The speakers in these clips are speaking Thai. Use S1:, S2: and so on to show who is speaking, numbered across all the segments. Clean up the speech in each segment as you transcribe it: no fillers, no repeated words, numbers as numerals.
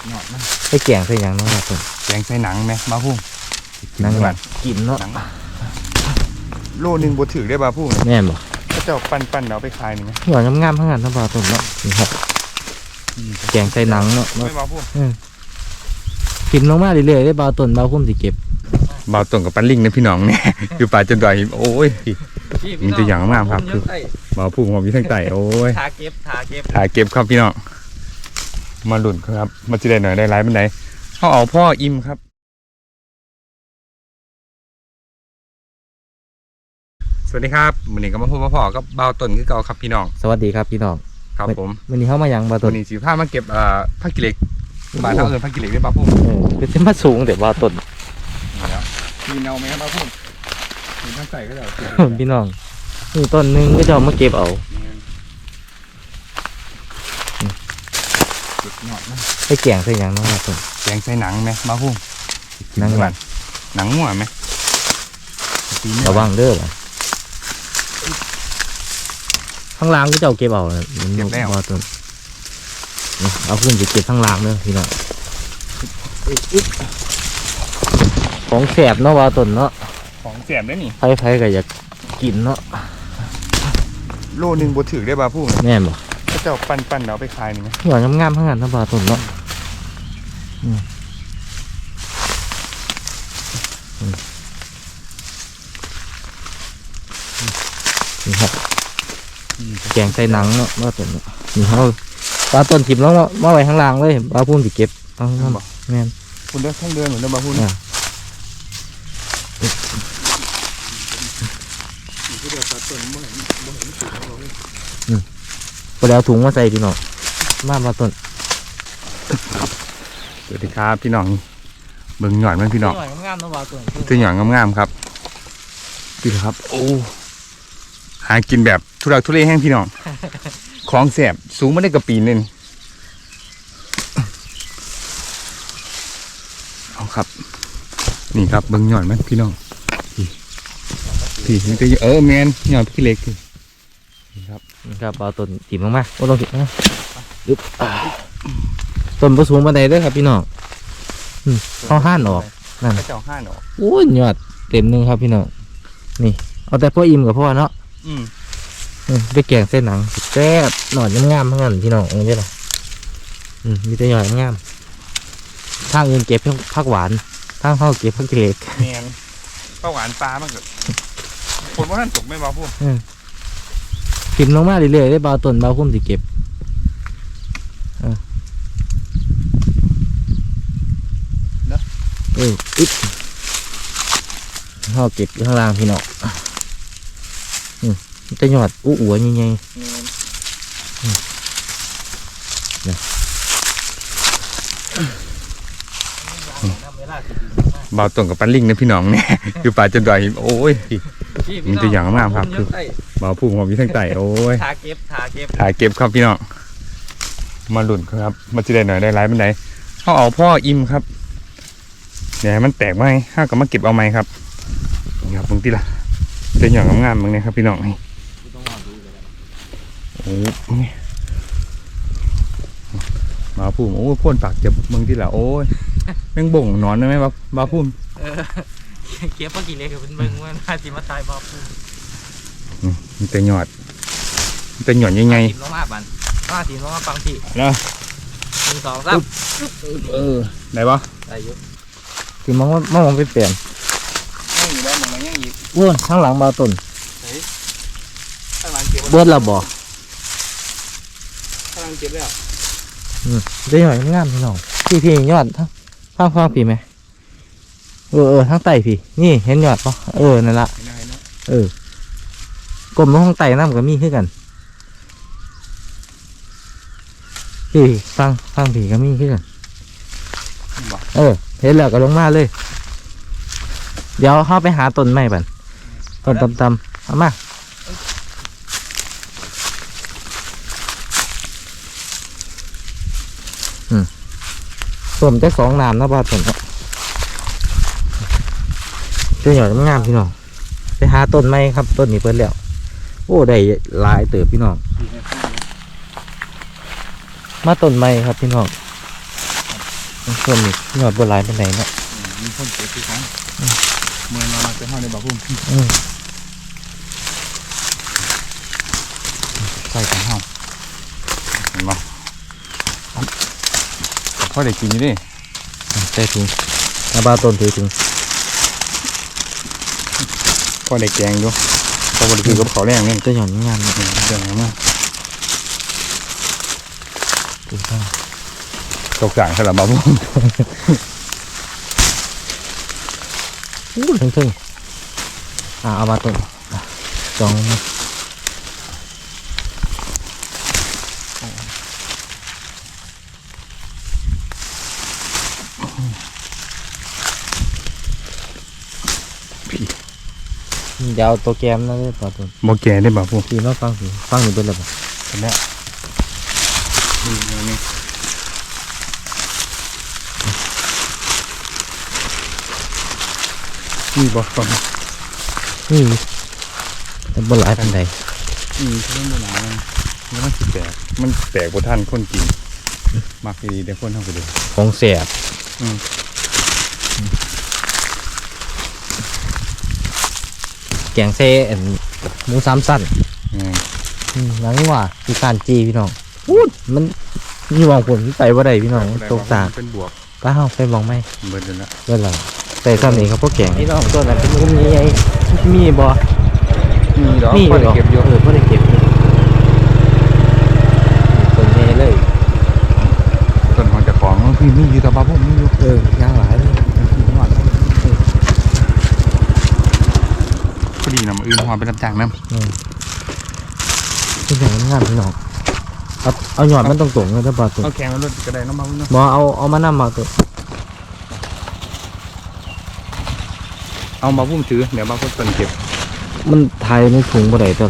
S1: หยอดนะ
S2: ไปแกงใส่หยังเนาะครับ
S1: แกงใส่หนังไหมบ้าพุ่ง
S2: หนังแบบกินเนาะ
S1: โลนึงบดถือได้บ้าพุ่ง
S2: แม่นบ่
S1: ถ้าเจ้าปั้นเอาไปขายนี่ไหม
S2: หยอดงามๆทั้งนั้นทั้งปลาตุ่นเนาะนี่ครับแกงใส่หนังเนาะ
S1: ไม่บ้าพุ่ง
S2: กินลงมาเรื่อยๆได้ปลาตุ่นปลาพุ่มสิเก็บ
S1: บ่าวตรงกับปั้นลิงนะพี่น้องเนี่ยคือปลาจนดอยโอ้ยมันจะอย่างมากครับคือบ่าวพุ่งผมอยู่ทั้งไตโอ้ย
S2: ทาเก็บ
S1: ครับพี่น้องมาหลุนครับมาจีได้หน่อยได้ร้ายเป็นไหนเขาเอาพ่ออิ่มครับสวัสดีครับวันนี้ก็มาพูดมาพ่อก็บ่าวต้นคือเก่าครับพี่น้อง
S2: สวัสดีครับพี่น้อง
S1: ครับผม
S2: วันนี้เข้ามายังบ่าวต้น
S1: วันนี้สิผ้ามาเก็บผ้ากิเหล็กบ้านเขาผักกิเหล็กได้บ่าวพุ่ง
S2: คือจะมาสูงแต่บ่าวต้น
S1: มีเนาไหมครับบ่าวพุ่งมีทั้งใส่ก็ได้
S2: พี่น้องนี่ต้นนึงก็จะมาเก็บเอาไปแกงใส่หยังเนาะครับต้น
S1: แกงใส่หนังไหมบ่าวพุ่ง
S2: หนังแบบ
S1: หนังมั่วไหม
S2: ระวังเด้อข้างล่างก็จะเก็บเอา
S1: เก็บแล้ว
S2: ต้นเอาขึ้นจะเก็บข้างล่างเด้อพี่น้องของแสบเนาะว่าต้นเนาะ
S1: ของแสบได้นี่
S2: ไผก็อยากกินเนาะ
S1: โลนึงบดถือได้บ่าวพุ่ง
S2: แม่นบ่
S1: ถ้าเจ้าปั้นเอาไปขายนี่ไหม
S2: หยอดงามๆทั้งนั้นทั้งปลาต้นเนาะนี่ครับแกงใส่หนังเนาะว่าต้นนี่เขาปลาต้นถิบแล้วมาไว้ข้างล่างเลยปลาพุ่มสิเก็บเอาข้างบนแม่น
S1: คุณเดินข้างเดินเหมือนเดินปลาพุ่ม
S2: พอแล้วถุงมาใส่พี่น้องมาปลาต้น
S1: สวัสดีครับพี่น้องเบิ่งหยอดมันพี่น้อง
S2: งามๆเนาะปลาต้น
S1: ตัวหยอดงามๆครับพี่ครับโอ้หากินแบบทุรักทุเลแห้งพี่น้องของแสบสูงไม่ได้กระปีนเลยเอาครับนี่ครับเบิ่งหยอดมันพี่น้องพี่นี่ก็แมนหยอดพี่เล็กนี่ครับ
S2: ปลาต้นถิ่มมากๆว่าต้องถิ่มนะดึ๊บต้นผสมบันไดด้วยครับพี่น้องเขาห่านออกนั่น
S1: เจ้าห่านออก
S2: โอ้ยหยอดเต็มนึงครับพี่น้องนี่เอาแต่พ่ออิ่มกับพ่อเนาะไปแกงเส้นหนังแซ่บหนอนงามๆทั้งนั้นพี่น้องนี่ใช่ไหมมีแต่หยอดงามทางอื่นเก็บผักหวานทางเขาเก็บผักเกล็ด
S1: แมนผักหวานปลามากเกิดคนว่าท่านตกไม่มาพูด
S2: ถิ่มลงมาเรื่อยๆได้เบาต้นเบาพุ่มสิเก็บอึ๊บเขาเก็บข้างล่างพี่น้องจะหยอดอ้วนยังไง
S1: บ่าวตรงกับปั้นลิงนะพี่น้องเนี่ยคือปลาจนดอยโอ้ยมันจะอย่างมากครับคือบ่าวพุ่งผมอยู่ทั้งไตโอ้ย
S2: ถ่ายเก็บ
S1: ครับพี่น้องมาหลุนครับมาจีได้หน่อยได้ร้ายเป็นไหนเขาเอาพ่ออิ่มครับเดี๋ยวมันแตกไหมข้าก็มาเก็บเอาไหมครับนี่ครับบางทีละจะหย่อนงามๆบางเนี่ยครับพี่น้องนี่โอ้ยมาพุ่มโอ้พ่นปากเจ็บบางทีละโอ้ยแมงบ่งนอนได้ไหมมาพุ่ม
S2: เก็บเมื่อกี้เลยคือเป็นมึงว่าน่าจะมาตายมาพุ่ม
S1: มันจะหยอดยังไง
S2: ทีมน้องมาบันทีมน้องมาฟังพี่
S1: นะ
S2: 1 2 3
S1: ได้ปะ
S2: ได้ยุคือมองไปเปลี่ยน
S1: ยังอยู่แล้วมันยังอีก
S2: อ้วนข้างหลังบาต้น
S1: ข้างหลังเก็บ
S2: เบิร์ดเราบ่
S1: ข้างหลังเก็บแล้ว
S2: ได้หน่อยงามพี่น้องพี่ยอดทั้งฟังพี่ไหมทั้งไตพี่นี่เห็นยอดปะนั่นละกลมลงข้างไตน้ำกับมีขึ้นกันพี่ฟังพี่กับมีขึ้นกันเห็นแล้วก็ลงมาเลยเดี๋ยวเข้าไปหาต้นไม้บันต้นตำๆเอามาต้นจะ2 น้ำนะบ้าต้นเจ้าหน่อยงามพี่น้องไปหาต้นไม้ครับต้นนี้เพิ่นแล้วโอ้ได้หลายเติบพี่น้องมาต้นไม้ครับพี่น้องส่วนนี้ยอดบัวลายเป็นไหนเนาะ
S1: มีคนเก็บที่กันเมื่อมาจะเข้าในบ่อพุ่ม ใส่ของเฮาเห็นบ่พ่อได้กินอยู่ดิ
S2: ใส่ถุงน้าบ้าต้นถือถุง
S1: พ่อได้แกงอยู่พ่อบ่ได้กินกับข้าวแรงนี่
S2: จะหย่อนงานเนาะ
S1: เดี๋ยวนะ
S2: ถูกต้อง
S1: ตกจ่างสำหรับบ่าวพุ่ม
S2: อู้ถึงเอามาต้นจองมาเดี๋ยวเอาตัวแกมนั่นเลยป่ะต้น
S1: บ่แก่ได้บ่าวพุ่ม
S2: พี่มาฟังสิฟังอยู่เป็นไรบ้าง
S1: เห็นแล้วนี่นี่บ่ฟัง
S2: นี่แต่บนหลายปันใด
S1: ใช่บ่หนาแล้วมันสิแตกมันแตกบ่ทันคนกินมักดีได้คนเฮาไปดู
S2: ของแสบ
S1: อืม
S2: แกงเซ่อันหมูสามสั้น
S1: นี่
S2: หลังนี้ว่าคือการจีพี่น้องพูดมันมีวางผลใส่ว่าใดพี่น้องตกตาก
S1: เป็นบวก
S2: ป้าเฮาไปมองไหม
S1: เบิดเลยละ
S2: เมื่อไหร่ใส่ซ้ำนี้เขาพวกแกงพี่น้องตัวนั้นเป็นมุมนี้ไงมีบ่
S1: มีดอก
S2: มี
S1: พ่อได้เก็บอยู่
S2: พ่อได้เก็บอยู่ต้นนี้เลย
S1: ต้นของเจ้าของพี่มีอยู่แต่บ่าวพุ่มมีอยู่
S2: ย่างหลายเลย
S1: พอดีนะมาอื่นหอไปรับจ้างน้
S2: ที่ไหนงามพี่น้องเอาหยอดมันตรงๆเลยถ้าบ่ตัว
S1: ำเอาแข่งรถกระไดน้ำมันเนาะ
S2: บ่เอามานำมาตัว
S1: เอามาพุ่มถือเดี๋ยวมาพุ่มต้นเก็บ
S2: มันไทยในถุงบ่ได้ตัว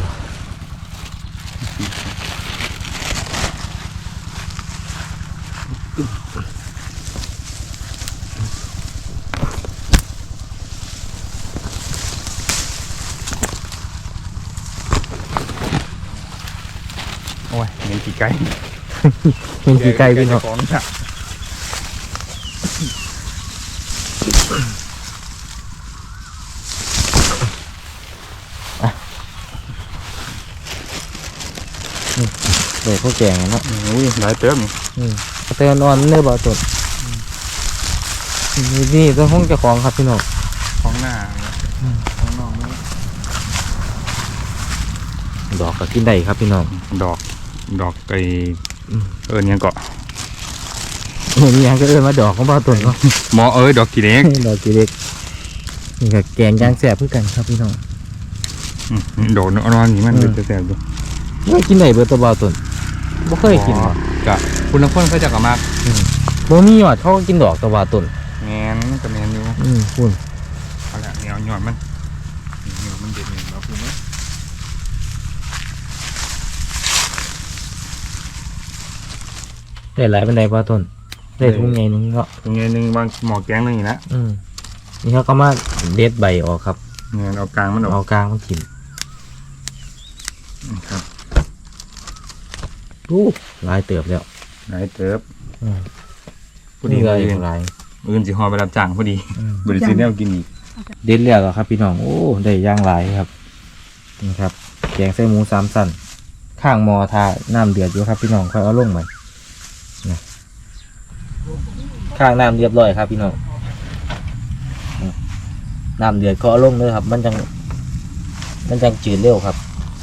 S1: โอ้ยเงินกี่ไก่
S2: เป็นกี่ไก่พี่น้อง
S1: ของน่ะ
S2: เด็กพวกแกงเนาะ
S1: อุ้ยหลายเติม
S2: เตือนนอนเนื้อบ่ตัวนี่ต้องห้องเจ้าของครับพี่น้อง
S1: ของหน้าของนอกนี่
S2: ดอกก็กินได้ครับพี่น้อง
S1: ดอกไก่เนี่ยเกาะ
S2: มีอย่างก็มาดอกของบ่ตัวเนาะ
S1: หมอดอกกี่เล็ก
S2: ดอกกี่เล็กนี่ก็แกงย่างแสบเพื่อกันครับพี่น้อง
S1: ดอกนอนนี่มันจะแสบดู
S2: ไม่กินได้เบอร์ตัวบ่ตัวบ่เคยกินบ่
S1: กะคุณน้ำข้นเขาจะกลับมา
S2: บ่มีหยอดเขาก็กินดอกตัวบ่ตัว
S1: แงนกับแงนอยู่
S2: คุณ
S1: เอาละเหนียวหยอดมันเหนียวมันเด็ดเหนียวเราพูดไหม
S2: ได้หลายเป็นไดบ่ตัวได้ทุ่งใหญ่นึงเนาะ
S1: ตรงนี้นึงวางหมอแกงนึงอีกนะ
S2: นี่เขาก็มาเด็ดใบออกครับ
S1: เงี้ยเอากลางมันออก
S2: เอากลางมากิน
S1: ครับ
S2: หลายเติบแล้ว
S1: หลายเติบพอ
S2: นี่
S1: ดี
S2: เล
S1: เลย ย
S2: หลาย
S1: อื่นสิหอไปรับจ้างพอดีบริษัทแนวกินอีก
S2: เด็ดแล้วครับพี่น้องโอ้ได้ย่างหลายครับนี่ครับแกงไส้หมูสามสั้นข้างหมอทาน้ำเดือดอยู่ครับพี่น้องค่อยเอาลงมานะข้างน้ำเรียบร้อยครับพี่น้องน้ำเดือดก็เอาลงเลยครับ มันจังจืดเร็วครับ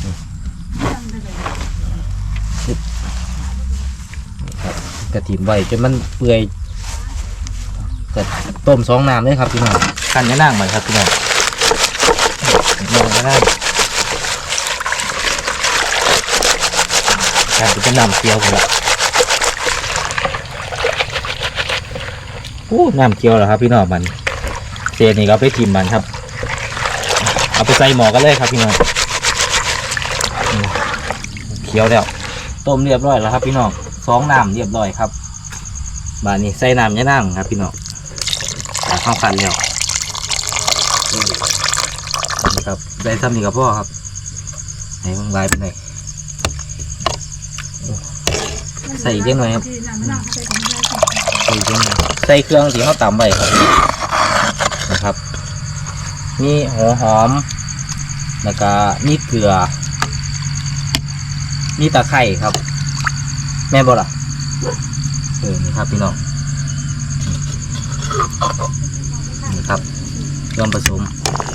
S2: กระถิ่มไว้จนมันเปื่อยก็ต้ม2 น้ำเลยครับพี่น้องขั้นยะนางใหม่ครับพี่น้องมองก็ได้การเป็นน้ำเคี่ยวกันละน้ำเคี่ยวเหรอครับพี่น้องมันเศษนี่ก็เอาไปทิมมันครับเอาไปใส่หม้อกันเลยครับพี่น้องเคี่ยวแล้วต้มเรียบร้อยแล้วครับพี่น้อง2 น้ำเรียบร้อยครับบานนี้ใส่น้ำยะนางครับพี่น้องข้าวขันแล้วนี่ครับได้ทำนี่กับพ่อครับไหนมึงลายเป็นไงใส่อีกเยอะหน่อยครับใส่เครื่องที่เขาตำไว้ครับนะครับมีหัวหอมแล้วก็มีเกลือมีตะไคร้ครับแม่นบ่ล่ะนี่ครับพี่น้องนี่ครับเครื่องผสม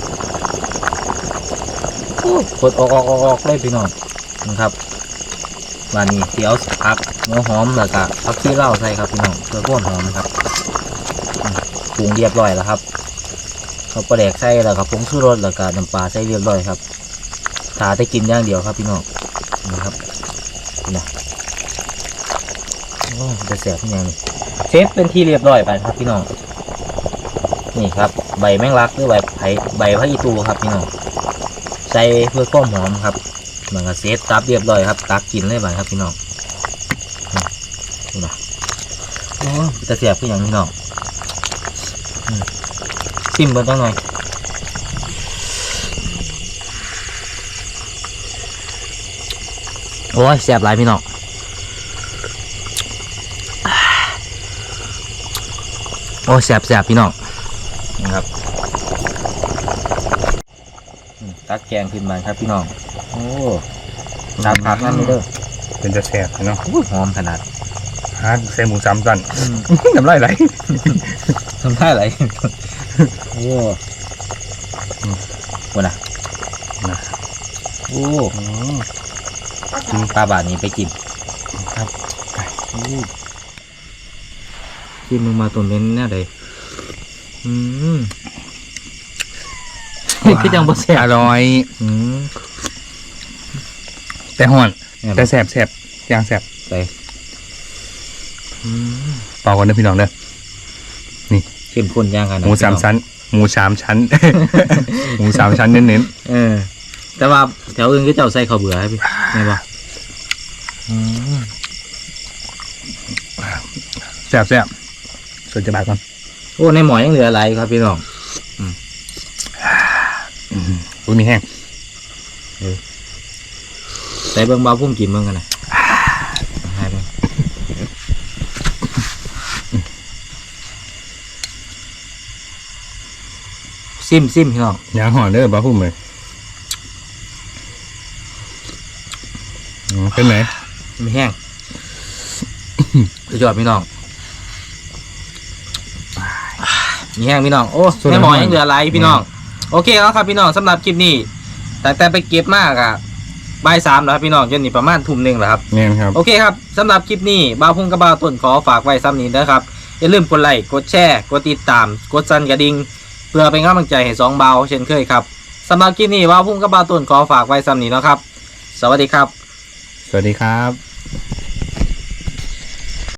S2: กดออกเลยพี่น้องนะครับวันนี้เดี๋ยวผักหัวหอมแล้วก็ผักชีเหล้าใส่ครับพี่น้องเพื่อความหอมนะครับปรุงเรียบร้อยแล้วครับเขาปลาแดกใส่แล้วครับผงชูรสแล้วก็น้ำปลาใส่เรียบร้อยครับถาได้กินอย่างเดียวครับพี่น้องนะครับนะโอ้จะแสบที่ยังนี่เซฟเป็นที่เรียบร้อยไปครับพี่น้องนี่ครับใบแมงลักหรือใบพระอีตูครับพี่น้องใส่เพื่อความหอมครับมันก็เซฟตับเรียบร้อยครับตักกินเลยไปครับพี่น้องนี่นะโอ้จะแสบที่ยังพี่น้องชิมเบิ่งจังหน่อยโอ้ยแสบหลายพี่น้องโอ้แสบพี่น้องนะครับตักแกงขึ้นมาครับพี่น้องโอ้ตามผักนั่นนี่เด้อ
S1: เป็นจะแสบเนาะ
S2: หอมขนาด
S1: ฮะใส่หมูสามตันน้ำลายไหล
S2: ทำท่าอะไรโอ้โหนะโอ้กินปลาบาทนี้ไปกินครับกินมึงมาตัวเม้นแน่เลยคือจังบ่แซ่บ
S1: อร่อยแต่ห่อนแต่แสบอย่างแสบ
S2: ไป
S1: เปล่ากันเด้อพี่น้องเด้อ
S2: เข้มข้นย่างกัน
S1: หมูสามชั้นหมูสามชั้น หมูสามชั้นเน้น
S2: แต่ว่าแถวอื่นก็เจ้าใส่ข้าวเบื่อให้พี่ไงบ่
S1: แสบส่วนจะบาดก่อน
S2: โอ้ในหมอยังเหลืออะไรครับพี่น้อง
S1: อุ้ยมีแห้ง
S2: ใส่เบิ่งเบาพุ่มกินเบิ่งกันนะให้เบิ่งซิมพี่น้อง
S1: ยางห่อนเด้อบ้าพุ่มเลยเป็นไหน
S2: ไม่แห้งสุดยอดพี่น้องมีแห้งพี่น้องโอ้ในหมอยังเหลืออะไรพี่น้องโอเคแล้วครับพี่น้องสำหรับคลิปนี้แต่ไปเก็บมากอะบ่าย 3แล้วครับพี่น้องจนนี่ประมาณ 19:00 แล้วครับ
S1: เนี่ยครับ
S2: โอเคครับสำหรับคลิปนี้บ่าวพุ่งกับบ่าวต้นขอฝากไว้ซ้ำนี้นะครับอย่าลืมกดไลค์กดแชร์กดติดตามกดสั่นกระดิ่งเพื่อเป็นกำลังใจให้สองบ่าวเช่นเคยครับสำหรับคลิปนี้บ่าวพุ่งกับบ่าวต้นขอฝากไว้ซ้ำนี้นะครับสวัสดีครับ
S1: สวัสดีครับ